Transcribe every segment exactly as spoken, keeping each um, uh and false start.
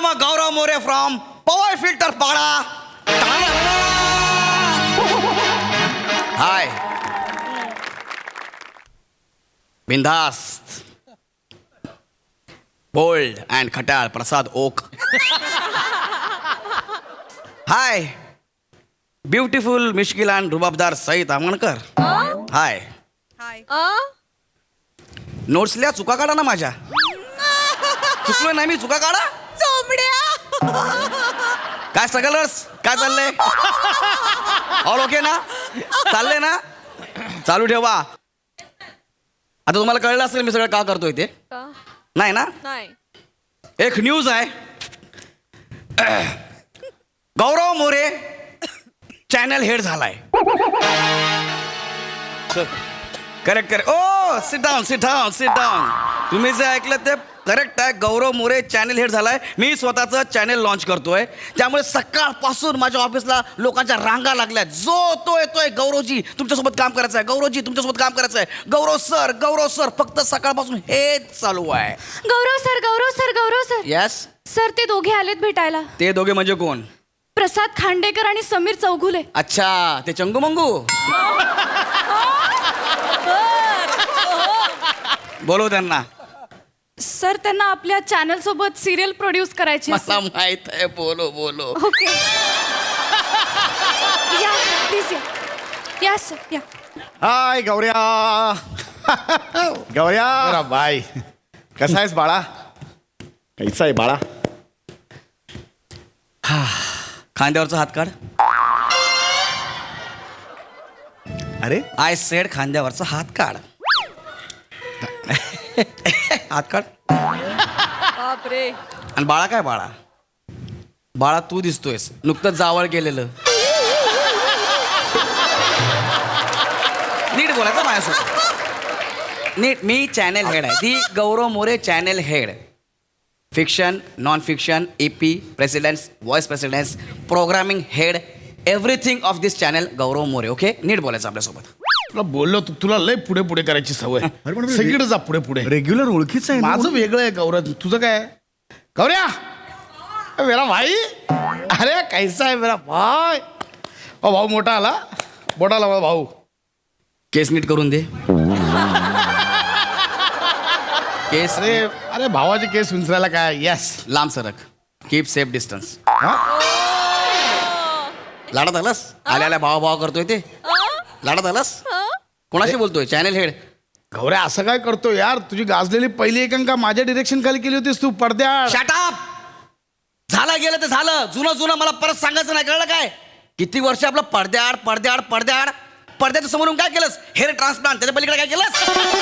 I'm a Gaurav More from Power Filter Pada. Hi. Bindast. Bold and Khatal Prasad Oak. Hi. Beautiful Mishkil and Rubabdar Said Amankar. Hi. Hi notes लिहा चुका काढा ना माझ्या चुकलोय नाही मी चुका काढा चोमड्या काय स्ट्रगलर्स काय चाललंय ऑल ओके ना चाललंय ना चालू ठेवा आता तुम्हाला कळलं असेल मी सगळं का करतोय ते नाही ना नाही एक न्यूज आहे गौरव मोरे चॅनल हेड झालाय correct correct oh sit down sit down sit down तुम्ही जे ऐकलं ते करेक्ट आहे गौरव मोरे चॅनल हेड झालाय मी स्वतःचं चॅनल लॉन्च करतोय त्यामुळे सकाळपासून माझ्या ऑफिसला लोकांच्या रांगा लागल्या जो तो येतोय गौरवजी तुमच्यासोबत काम करायचं आहे गौरवजी तुमच्यासोबत काम करायचं आहे गौरव सर गौरव सर फक्त सकाळपासून हेच चालू आहे Gaurav sir Gaurav sir Gaurav sir yes sir ते दोघे आलेत भेटायला ते दोघे म्हणजे कोण प्रसाद खांडेकर आणि समीर चौगुले अच्छा ते चंगू मंगू बोलव त्यांना सर त्यांना आपल्या चॅनल सोबत सिरियल प्रोड्यूस करायची मला माहित आहे बोलो बोलो ओके या प्लीज या या सर या हाय गौऱ्या गौऱ्या बाय कसा आहेस बाळा कैसा आहे बाळा खांद्यावरचा हात काढ अरे आय सेड खांद्यावरचा हात काढ हात काढ बापरे आणि बाळा काय बाळा बाळा तू दिसतोयस नुकतंच जावळ केलेलं नीट बोलायचं माझ्यासोबत नीट मी चॅनेल हेड आहे the Gaurav More channel head fiction non fiction A P presidents vice presidents programming head everything of this channel Gaurav More okay नीट बोलायचं आपल्यासोबत तुला बोललो तू तुला लय पुढे पुढे करायची सवय अरे पण सगळीकडे जा पुढे पुढे रेग्युलर ओळखीच आहे ना. माझं वेगळं आहे गौरव तुझं काय गौऱ्या अ, मेरा भाई अरे कैसा आहे मेरा भाई ओ भाऊ मोठा आला मोठा आला माझा भाऊ केस नीट करून दे केस अरे अरे भावाचे केस विंचरायला काय यस लांब सरक कीप सेफ डिस्टन्स हा लाडत आलास आल्या आल्या भावा भावा करतोय ते लाडत आलास कोणाशी बोलतोय चॅनल हेड गौऱ्या असं काय करतो यार तुझी गाजलेली पहिली एकांका माझ्या डिरेक्शन खाली केली होतीस तू पडद्या शटअप झालं गेलं ते झालं जुनं जुनं मला परत सांगायचं नाही कळलं काय किती वर्ष आपलं पडद्याआड पडद्याआड पडद्याआड पडद्याच्या समोरून काय केलंस हेअर ट्रान्सप्लांट त्याच्या पलीकडे काय केलंस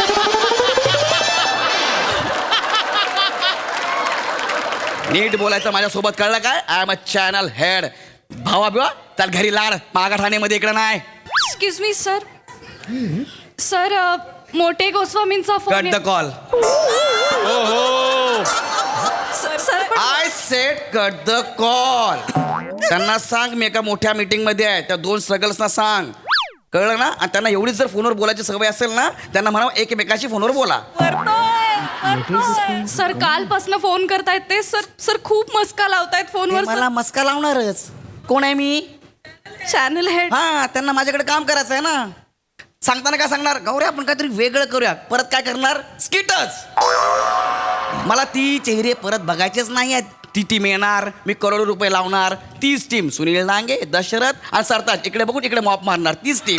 नीट बोलायचं माझ्यासोबत कळलं काय I am a channel head भावा बिवा त्याला घरी लाड मागा ठाण्यामध्ये इकडे नाही एक्सक्यूज मी सर सर अ, मोठे गोस्वामींचा cut phone the call sir पण I said cut the call त्यांना सांग मी एका मोठ्या मीटिंग मध्ये आहे त्या दोन स्ट्रगल्सना सांग कळलं ना आणि त्यांना एवढीच जर फोनवर बोलायची सवय असेल ना त्यांना म्हणा एकमेकाशी फोनवर बोला सर कालपासून फोन करतायत ते सर सर खूप मस्का लावतायत ते फोनवर मला मस्का लावणारच कोण आहे मी चॅनल हेड हा त्यांना माझ्याकडे काम करायचं आहे ना सांगताना काय सांगणार गौऱ्या आपण काहीतरी वेगळं करूया परत काय करणार स्किटच मला ती चेहरे परत बघायचेच नाही आहेत ती टीम येणार मी करोडो रुपये लावणार तीच टीम सुनील नांगे दशरथ आणि सरताज इकडे बघून इकडे मॉप मारणार तीच टीम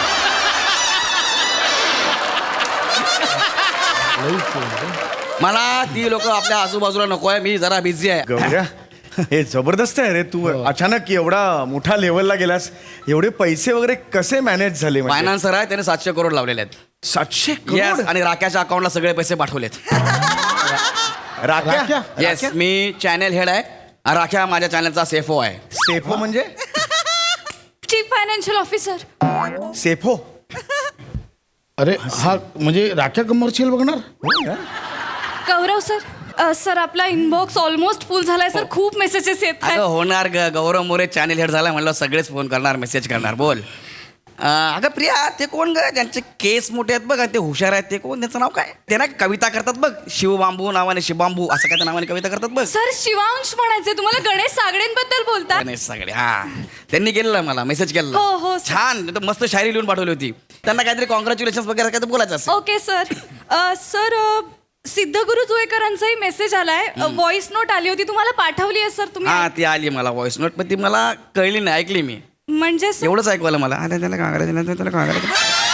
मला ती लोक आपल्या आजूबाजूला नको आहे मी जरा बिझी आहे गौऱ्या हे जबरदस्त आहे रे तू अचानक एवढा मोठा लेवलला गेलास एवढे पैसे वगैरे कसे मॅनेज झाले म्हणजे? फायनान्सर आहे त्याने सातशे करोड लावलेले आहेत सातशे येस करोड आणि राख्याच्या अकाउंटला सगळे पैसे पाठवलेत राख्या राख्या? येस मी चॅनल हेड आहे आणि राख्या माझ्या चॅनलचा सेफो आहे सेफो म्हणजे चीफ फायनान्शियल ऑफिसर सेफो अरे हा म्हणजे राख्या कमर्शियल बघणार गौरव सर अ, सर आपला इनबॉक्स ऑलमोस्ट फुल झालाय सर खूप मेसेजेस येत अगं आहेत होणार ग गौरव मोरे चॅनल हेड झाला म्हणलं सगळेच फोन करणार मेसेज करणार बोल अं, अगं प्रिया ते कोण ग ज्यांचे केस मोठे आहेत बघ आणि ते हुशार आहेत ते कोण, त्यांचं नाव काय? ते ना कविता करतात बघ, शिवबांबू नावाने, शिवबांबू असं काय त्या नावाने कविता करतात बघ. सर शिवांश म्हणायचे, तुम्हाला गणेश सागडेंबद्दल बोलतात. गणेश सगळे हा त्यांनी केलेलं मला मेसेज केलेला. हो, हो, सर. छान तर मस्त शायरी लिहून पाठवली होती. त्यांना काहीतरी कॉंग्रॅच्युलेशन वगैरे काय बोलायचं असेल. Okay sir. अ, सर अ, सिद्धगुरु जुळेकरांचाही मेसेज आलाय, व्हॉइस नोट आली होती, तुम्हाला पाठवली आहे सर तुम्ही? हा ती आली मला व्हॉइस नोट, पण ती मला कळली नाही, ऐकली मी म्हणजे सर- एवढंच ऐकवायला मला. अरे त्याला काय करायचं, त्याला काय करायचं.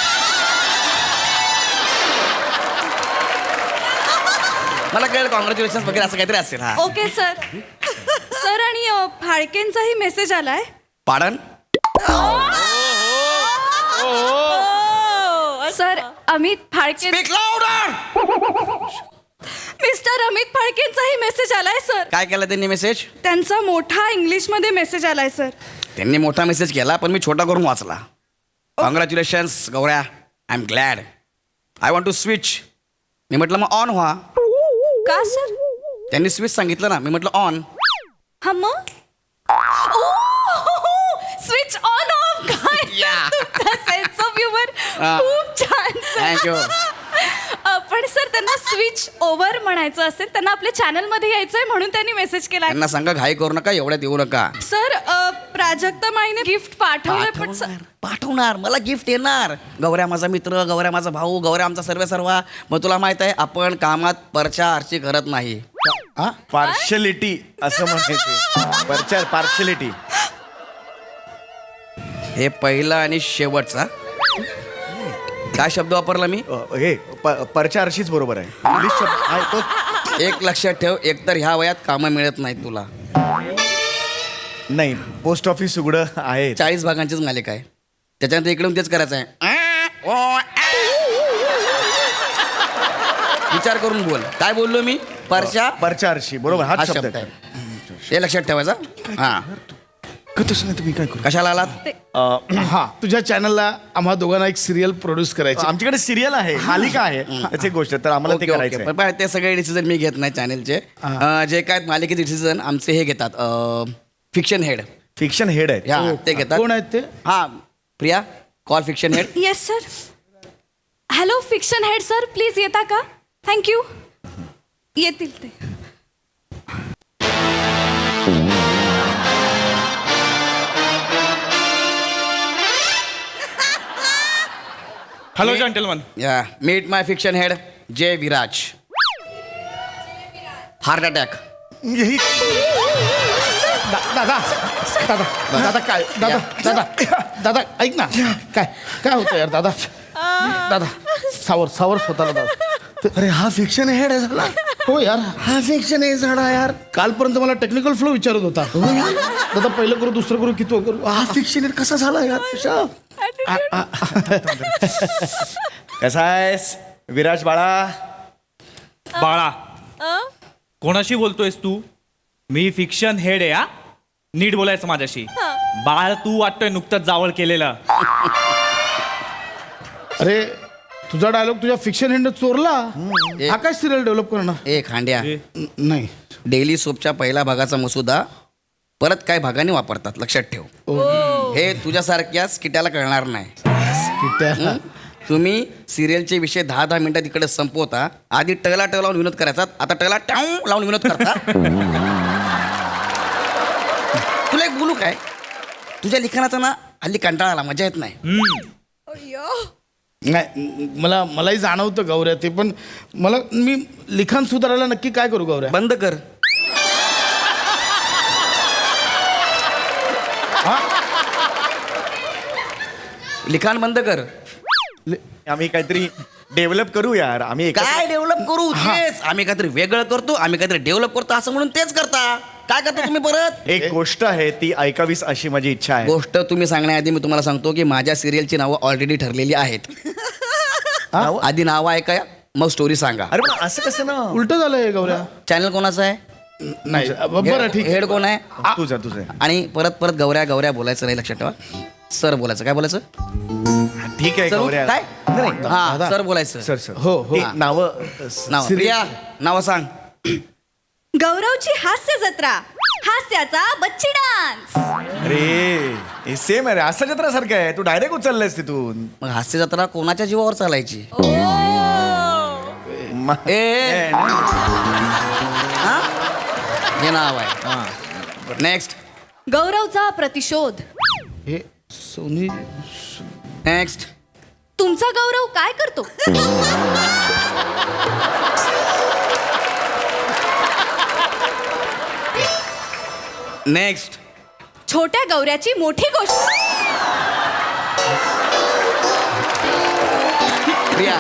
मला कळलं कॉंग्रॅच्युलेशन वगैरे असं काहीतरी असेल. हा ओके सर. सर आणि अ, फाळकेंचाही मेसेज आलाय. पाडन sir Amit Phalke, Speak louder! Mister Amit फाळकेंचाही मेसेज आलाय सर. काय केलं त्यांनी मेसेज? त्यांचा मोठा इंग्लिश मध्ये मेसेज आलाय सर. त्यांनी मोठा मेसेज केला पण मी छोटा करून वाचला. कॉंग्रॅच्युलेशन्स गौऱ्या, I am glad, I want to switch. मी म्हटलं मग ऑन व्हा. का सर? त्यांनी स्विच सांगितलं ना, मी म्हटलं ऑन. हा मग स्विच ऑन ऑफ. काय सेन्स ऑफ ह्युमर, हा. खूप छान sir. थँक्यू. अ, पण सर त्यांना स्विच ओव्हर म्हणायचं असेल, त्यांना आपल्या चॅनल मध्ये यायचंय म्हणून त्यांनी मेसेज केलाय. त्यांना सांगा घाई करू नका, एवढ्यात येऊ नका. सर अ, प्राजक्ता माईने गिफ्ट पाठवलंय पण सर पाठवणार पाठवणार मला गिफ्ट येणार. गौऱ्या माझा मित्र, गौऱ्या माझा भाऊ, गौऱ्या आमचा सर्व सर्वा. मग तुला माहित आहे आपण कामात परचा आरची करत नाही. हा पार्शलिटी असं म्हणायचे. परचार पार्शलिटी. हे पहिलं आणि शेवटचा काय शब्द वापरला मी? अ, हे प- परचा आरशीच बरोबर आहे. इंग्लिश शब्द आहे तो. एक लक्षात ठेव, एकतर ह्या वयात कामं मिळत नाहीत तुला. नाही, पोस्ट ऑफिस उघडं आहे. चाळीस भागांचीच मालिका आहे, त्याच्यानंतर इकडून तेच करायचं आहे. विचार करून बोल. काय बोललो मी? परचा परचा आरशी बरोबर हा हाच शब्द शब्द आहे. आहे. हे लक्षात ठेवायचा. हा कतच नाही तुम्ही काय करू. कशाला आलात? अ, हा तुझ्या चॅनलला आम्हा दोघांना एक सिरियल प्रोड्यूस करायची. आमच्याकडे सिरियल आहे, मालिका आहे, त्याची गोष्ट आहे. तर आम्हाला ते ओके, ओके. करायचं आहे. पण पाय, ते सगळे डिसिजन मी घेत नाही चॅनलचे. अं, जे काय मालिकेचे डिसिजन आमचे हे घेतात, फिक्शन हेड. फिक्शन हेड आहे. हा ते घेतात. कोण आहेत ते? हा Priya, call fiction head. Yes sir. Hello fiction head sir, please येता का? थँक्यू. येतील ते. Hello gentleman. या meet my fiction head Jay Viraj. Heart attack. यही- दा- दादा दादा दादा काय दादा दादा दादा ऐक ना, काय काय होतं यार दादा. दादा सावर सावर स्वतःला दादा. अरे हा फिक्शन हेड आहे झाला. हो यार, हा फिक्शन हे झाला यार. कालपर्यंत मला टेक्निकल फ्लो विचारत होता. दादा पहिलं करू, दुसरं करू, किती करू. हा फिक्शन हेड कसा झाला यार तुझा? कसा आहेस विराज बाळा? बाळा, कोणाशी बोलतोयस तू? मी फिक्शन हेड आहे. हा नीट बोलायचं माझ्याशी. बाळ तू वाटतोय नुकतंच जावळ केलेलं. अरे तुझा डायलॉग तुझ्या फिक्शन हेडनं चोरला. हा काय सिरियल डेव्हलप करणार? ए खांड्या, न- नाही. डेली सोपच्या पहिल्या भागाचा मसुदा परत काही भागाने वापरतात, लक्षात ठेव. हे तुझ्यासारख्या स्किटाला कळणार नाही. कित्या- तुम्ही सिरियलचे विषय दहा दहा मिनिटात तिकडे संपवता. आधी टला टळ लावून विनोद करायचा, आता टला टाऊ लावून विनोद करता. तुला एक बोलू काय, तुझ्या लिखाणाचा ना हल्ली कंटाळा आला, मजा येत नाही. अय्यो. नाही मला मलाही जाणवतं गौऱ्या ते, पण मला मी लिखाण सुधारायला नक्की काय करू गौऱ्या? बंद कर. लिखाण बंद कर. आम्ही काहीतरी डेव्हलप करू यार. आम्ही एकत्र- काय डेव्हलप करू? तेच आम्ही काहीतरी वेगळं करतो, आम्ही काहीतरी डेव्हलप करतो असं म्हणून तेच करता. काय करता तुम्ही परत? एक गोष्ट आहे ती ऐकावीस अशी माझी इच्छा आहे. गोष्ट तुम्ही सांगण्याआधी मी तुम्हाला सांगतो की माझ्या सिरियलची नावं ऑलरेडी ठरलेली आहेत. नाव? आधी नावं ऐका, मग स्टोरी सांगा. अरे पण असं कसं ना? उलट झालंय गौऱ्या. चॅनल कोणाचं आहे? नाही बरं ठीक आहे. हेड कोण आहे? तुझं तुझं आणि परत परत गौऱ्या गौऱ्या बोलायचं नाही, लक्षात ठेवा. सर बोलायचं. काय बोलायचं? ठीक आहे सर गौऱ्या. काय? नाही, नाही. हा सर बोलायचं. सर सर हो, हो. ती नावं नाव सिरियल- प्रिया, नाव सांग. गौरवची हास्य जत्रा. हास्याचा बच्ची डान्स. अरे हे सेम आहे रे, आस्था जत्रासारखं आहे. तू डायरेक्ट उचललायस तिथून. मग हास्य जत्रा कोणाच्या जीवावर चालायची? म- ए, ए, नाही. हा? हे नाव आहे. नेक्स्ट गौरवचा प्रतिशोध. हे सोनी नेक्स्ट तुमचा गौरव काय करतो? नेक्स्ट छोट्या गौऱ्याची मोठी गोष्ट. प्रिया.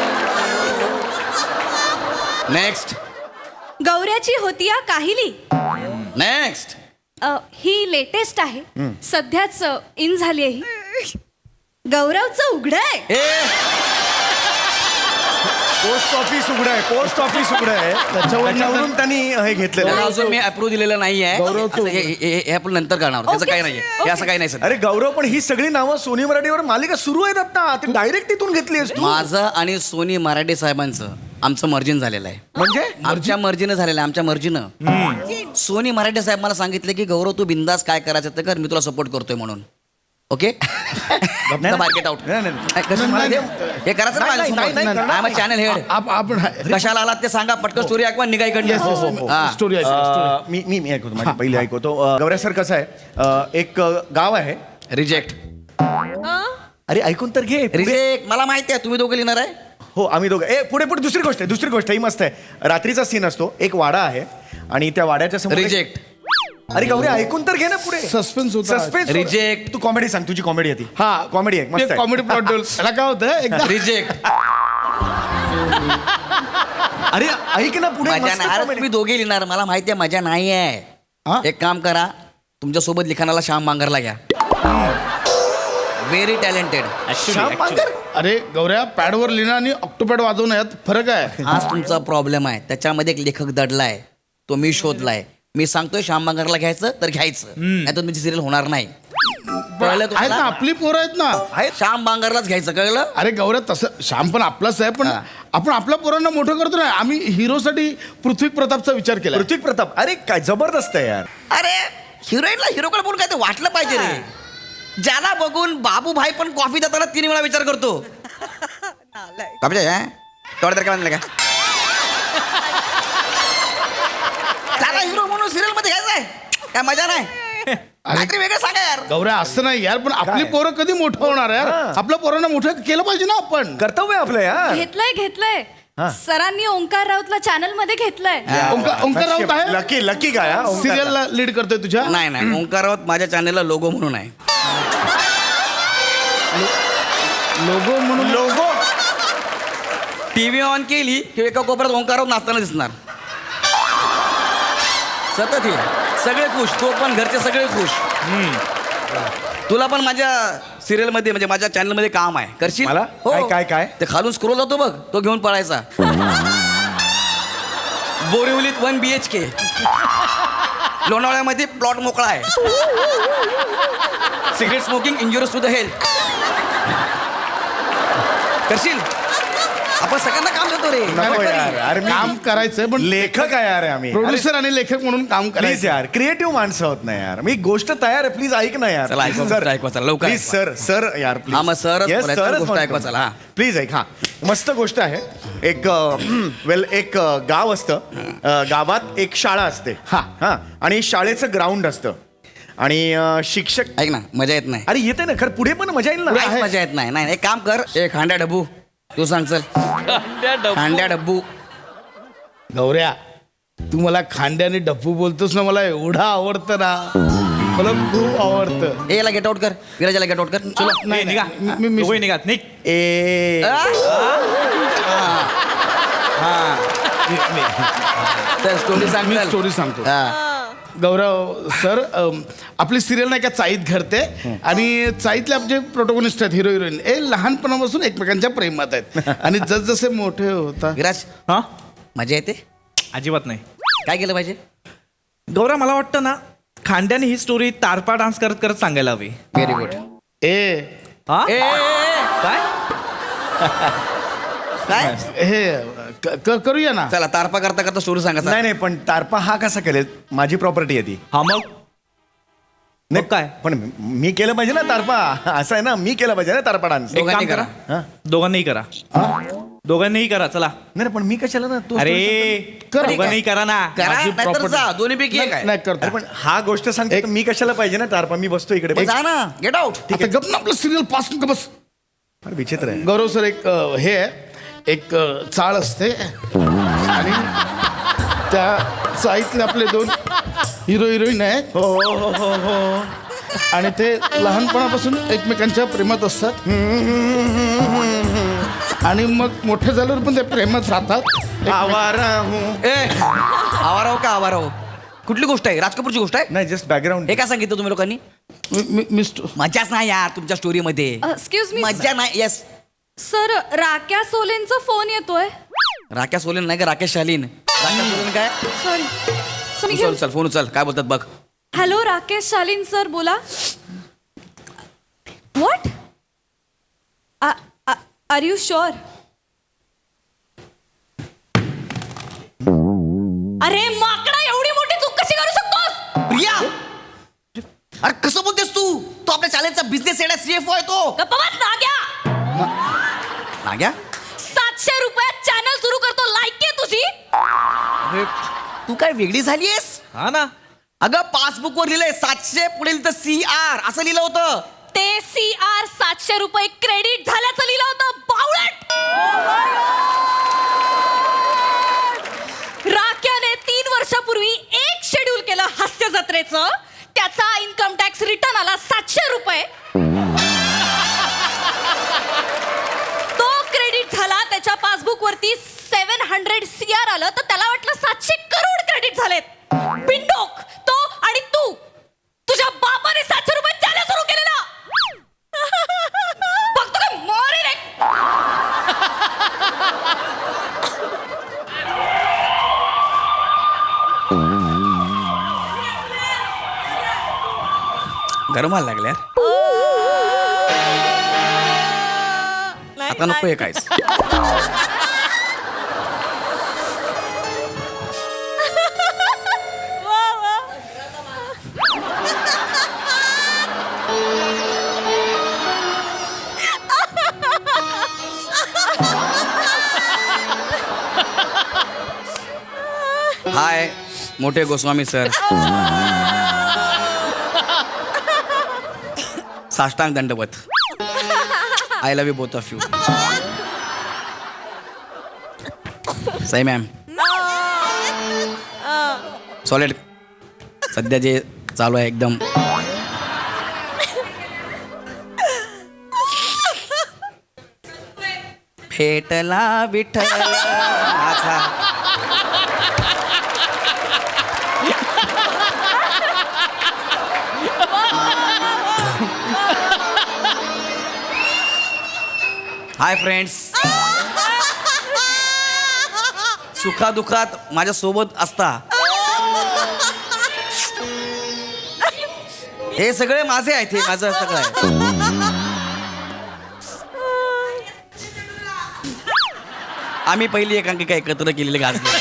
नेक्स्ट गौऱ्याची होती या काहिली. नेक्स्ट अ, ही लेटेस्ट आहे, सध्याच इन झाली आहे ही. गौरवचं उघड आहे. ए पोस्ट ऑफिस उघडं आहे, पोस्ट ऑफिस उघडं आहे. त्याच्यावरून त्यांनी हे घेतलेलं त्याला आहे. अजून मी अप्रूव्ह दिलेलं नाहीये. गौरवचं असं हे- हे हे आपण नंतर करणार. त्याचं Okay, काही नाहीये. हे असं काही नाही सर. अरे गौरव, पण ही सगळी नावं सोनी मराठीवर मालिका सुरू आहेत आता. ते डायरेक्ट तिथून घेतली आहेस तू. माझं आणि सोनी मराठे साहेबांचं आमचं मर्जिन झालेलं आहे. म्हणजे आमच्या मर्जीनं झालेलं आहे. आमच्या मर्जीनं सोनी मराठे साहेब मला सांगितले की गौरव तू बिंदास काय करायचं ते कर, मी तुला सपोर्ट करतोय म्हणून. Okay market out. नाही, नाही, नाही. कसं मला हे हे करायचं नाही, नाही, नाही, नाही, ना माझ्या चॅनल हेड. आप आपण कशाला आलात ते सांगा पटकन. स्टोरी ऐकवा निघा Yes, yes, इकडनं. हा. स्टोरी आहे अं, मी मी मी ऐकवतो, माझी पहिली ऐकवतो. अं, गौऱ्या सर कसं आहे, अं, एक अं, गाव आहे. रिजेक्ट अरे ऐकून तर घे. पुढे- रिजेक्ट मला माहिती आहे तुम्ही दोघे लिहिणार आहे. हो आम्ही दोघं. ए पुढे पुढे दुसरी गोष्ट आहे, दुसरी गोष्ट ही मस्त आहे. रात्रीचा सीन असतो, एक वाडा आहे आणि त्या वाड्याच्या समोर एक- रिजेक्ट अरे गौरी ऐकून तर घे ना पुढे. Suspense होता. सस्पेन्स. Reject. तू कॉमेडी सांग, तुझी कॉमेडी आहे ती. हा कॉमेडी आहे, मस्त आहे. कॉमेडी प्लॉट त्याला काय होतं एकदा रिजेक्ट अरे ऐक ना पुढे, मजा मस्त नाही. अरे comedy. तुम्ही दोघे लिहिणार मला माहिती आहे मजा नाही हा? आहे. एक काम करा तुमच्या सोबत लिखाणाला श्याम बांगरला घ्या. Very talented. श्याम पांगर? अरे गौऱ्या पॅडवर लिहिणं आणि ऑक्टोपॅड वाजवणं यात फरक आहे. हाच तुमचा प्रॉब्लेम आहे. त्याच्यामध्ये एक लेखक दडलाय, तो मी शोधलाय. मी सांगतोय श्याम बांगरला घ्यायचं तर घ्यायचं, नाही तर तुमची सिरियल होणार नाही. कळलं आहेत ना, तुम्हाला? आपली पोरं आहेत ना. आहेत श्याम बांगरलाच घ्यायचं, कळलं? अरे गौऱ्या तसं श्याम पण आपलाच आहे, पण हा. आपण आपल्या पोरांना मोठं करतो ना. आम्ही हिरोसाठी पृथ्वी प्रतापचा विचार केला. पृथ्वी प्रताप, अरे काय जबरदस्त आहे यार. अरे हिरोईनला हिरोकडे बोलून काय ते वाटलं पाहिजे रे. ज्याला बघून बाबू भाई पण कॉफी देताना तीन वेळा विचार करतो. बाबूजी, हा? तेवढं तर काय म्हणलं का? त्याला हिरो म्हणून सिरियल मध्ये घ्यायचंय काय मजा नाही. काहीतरी वेगळं सांगा यार. गौऱ्या असं नाही यार, पण आपली पोरं कधी मोठं होणार यार. हा. आपल्या पोरांना मोठं केलं पाहिजे ना आपण. कर्तव्य आपलं यार. घेतलंय घेतलंय सरांनी ओंकार राऊतला चॅनल मध्ये घेतलंय. ओंकार ओंकार राऊत आहे लकी लकी काय हा? ओंकार. सिरियलला लीड करतोय तुझ्या. नाही नाही ओंकार राऊत माझ्या चॅनलला लोगो म्हणून आहे. लोगो म्हणून लोगो. टीव्ही ऑन केली की एका कोपऱ्यात ओंकार राऊत नाचताना दिसणार. सतत हे सगळे खुश, तो पण घरचे सगळे खुश. तुला पण माझ्या सिरियल मध्ये म्हणजे माझ्या चॅनल मध्ये काम आहे, करशील? मला? हो. काय, काय, काय? ते खालून स्क्रोल जातो बघ, तो घेऊन पळायचा. बोरिवलीत वन बी एच के, लोणावळ्यामध्ये प्लॉट मोकळा आहे. Cigarette smoking injurious to the health. करशील? आपण सगळ्यांना काम देतो रे. नको यार, अरे मी काम करायचंय, पण लेखक आहे यार आम्ही. प्रोड्युसर आणि लेखक म्हणून काम प्लीज करायचं. यार, क्रिएटिव्ह माणसं होत नाही यार. मी गोष्ट तयार आहे, प्लीज ऐक ना यार. चला, ऐकवा, सर ऐकवा, चला, लवकर प्लीज सर सर यार प्लीज. हा, मग सरच बोलायचं, गोष्ट ऐकवा, चला, हा. प्लीज ऐक. हा मस्त गोष्ट आहे. एक वेल एक अ, गाव असतं. अ, गावात एक शाळा असते. हा. हा आणि शाळेचं ग्राउंड असतं आणि अ, शिक्षक. ऐक ना, मजा येत नाही. अरे येते ना खरं, पुढे पण मजा येईल ना. काहीच मजा येत नाही. नाही एक काम कर, एक हांड्या डब्बू तू सांग. चल हांड्या डब्बू. गौऱ्या तू मला खांद्याने डप्पू बोलतोस ना, मला एवढं आवडतं ना, मला खूप आवडतं. ए याला गेट आउट कर, विराजाला गेट आउट कर. चलो नाही, निघा मी- मी- मी- दोघंही निघा निघ. ए चल स्टोरी सांग. मी चल. स्टोरी सांगतो. हा. गौरव सर, अम, आपली सिरियल नाही का चाईत घडते, आणि चाईतले आपले प्रोटोगोनिस्ट आहेत, हिरो हिरोईन, हे लहानपणापासून एकमेकांच्या प्रेमात आहेत. आणि जसजसे मोठे होतात. विराज हा मजा येते. अजिबात नाही. काय केलं पाहिजे? गौरा मला वाटतं ना खांद्याने ही स्टोरी तारपा डान्स करत करत सांगायला हवी. Very good. ए हा ए, ए, ए, काय काय हे क- क- करूया ना. चला तारपा करता करता स्टोरी सांगा नाही नाही पण तारपा हा कसा करेल माझी प्रॉपर्टी आहे ती हा मग नाही काय? पण मी केलं पाहिजे ना तारपा असं आहे ना मी केलं पाहिजे ना तारपा डान्स एक काम दोघांनी करा हा? दोघांनीही करा दोघांनीही करा चला. नाही पण मी कशाला ना तू अरे कर. दोघांनीही करा ना. करा माझी नाहीतर property. जा दोन्ही पैकी एक नाही आहे नाही करतो. अरे पण हा गोष्ट सांगते तर मी कशाला पाहिजे ना तारपा मी बसतो इकडे मग जा ना गेट आउट आता गप ना आपलं सिरियल पास का बस. फार विचित्र आहे गौरव सर एक अ, हे आहे, एक अ, चाळ असते आणि त्या चाळीतले आपले दोन हिरो हिरोईन आहेत हो हो हो हो हो आणि ते लहानपणापासून एकमेकांच्या प्रेमात असतात आणि मग मोठे झाल्यावर पण ते प्रेमात राहतात. आवारा हूं. ए आवाराव का आवाराव कुठली गोष्ट आहे राज कपूरची गोष्ट आहे नाही जस्ट बॅकग्राऊंड हे काय सांगितलं तुम्ही लोकांनी मी- मी- मिस्टर मजाच नाही यार तुमच्या स्टोरी मध्ये एक्सक्यूज मी मजा नाही येस सर राक्या सोलेंचा फोन येतोय. राकेश सोलेन नाही का राकेश शालीन राकेश सोलेन काय सॉरी मी उचल उचल फोन उचल काय बोलतात बघ हॅलो राकेश शालीन सर बोला. What are you sure? अरे माकडा एवढी मोठी चूक कशी करू शकतोस? प्रिया अरे कसं बोलतेस तू तो आपल्या शाळेचा बिझनेस हेड सीएफओ आहे तो गप्पा बस नाग्या. नाग्या सातशे रुपयात चॅनल सुरू करतो. लायकी आहे तुझी? अरे तू काय वेगळी झालीयस हा ना. अगं पासबुक वर लिहिलंय सातशे पुढे लिहिलं सी आर असं लिहिलं होतं ते सी आर सातशे रुपये क्रेडिट झाल्याचं लिहिलं होतं. बावळट. राक्याने तीन वर्षापूर्वी एक शेड्यूल केलं हास्य जत्रेचं. त्याचा इन्कम टॅक्स रिटर्न आला सातशे रुपये. तो क्रेडिट झाला त्याच्या पासबुक वरती सेव्हन हंड्रेड सी आर आलं तर त्याला वाटलं सातशे करोड क्रेडिट झालेत. बिंडोक तो आणि तू तुझ्या बापाने सातशे रुपये चॅनल सुरू केलेला. बघतो काय मोरे रे. गरम व्हायला लागल्या आता नको हे कायच हाय मोठे गोस्वामी सर साष्टांग दंडवत I love you both of you Sai ma'am solid सध्या जे चालू आहे एकदम भेटला विठ्ठल माझा हाय फ्रेंड्स सुखादुखात माझ्या सोबत असता हे सगळे माझे आहेत हे माझं सगळं आहे आम्ही पहिली एकांकिका एकत्र केलेली गाजली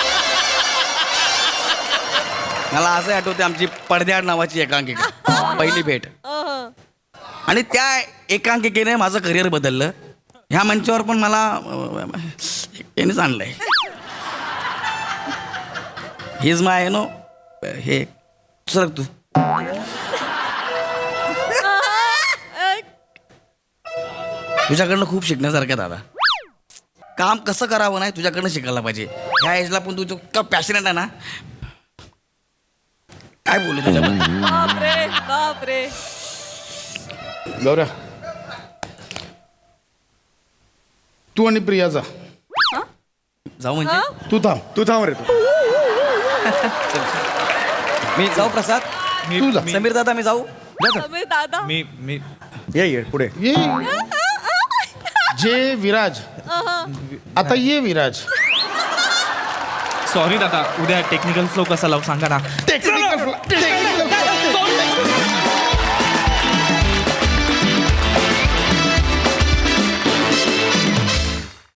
मला असं आठवते आमची पडद्याआड नावाची एकांकिका पहिली भेट आणि त्या एकांकिकेने माझं करिअर बदललं ह्या मंचावर पण मला यानेच आणलंय हिज माय नो हे सरक तू तुझ्याकडनं खूप शिकण्यासारखं दादा काम कसं करावं नाही तुझ्याकडनं शिकायला पाहिजे ह्या एजला पण तू इतका पॅशनेट आहे ना काय बोलू तुझ्याबद्दल बापरे बापरे. गौऱ्या तू आणि प्रिया जा. जाऊ म्हणजे तू थांब. तू थांब रे तू मी जाऊ प्रसाद मी तू जा. मी- समीर दादा मी जाऊ समीर दादा मी मी ये ये पुढे ये जे विराज आता ये विराज. सॉरी दादा उद्या टेक्निकल फ्लो कसा लावू सांगा ना. टेक्निकल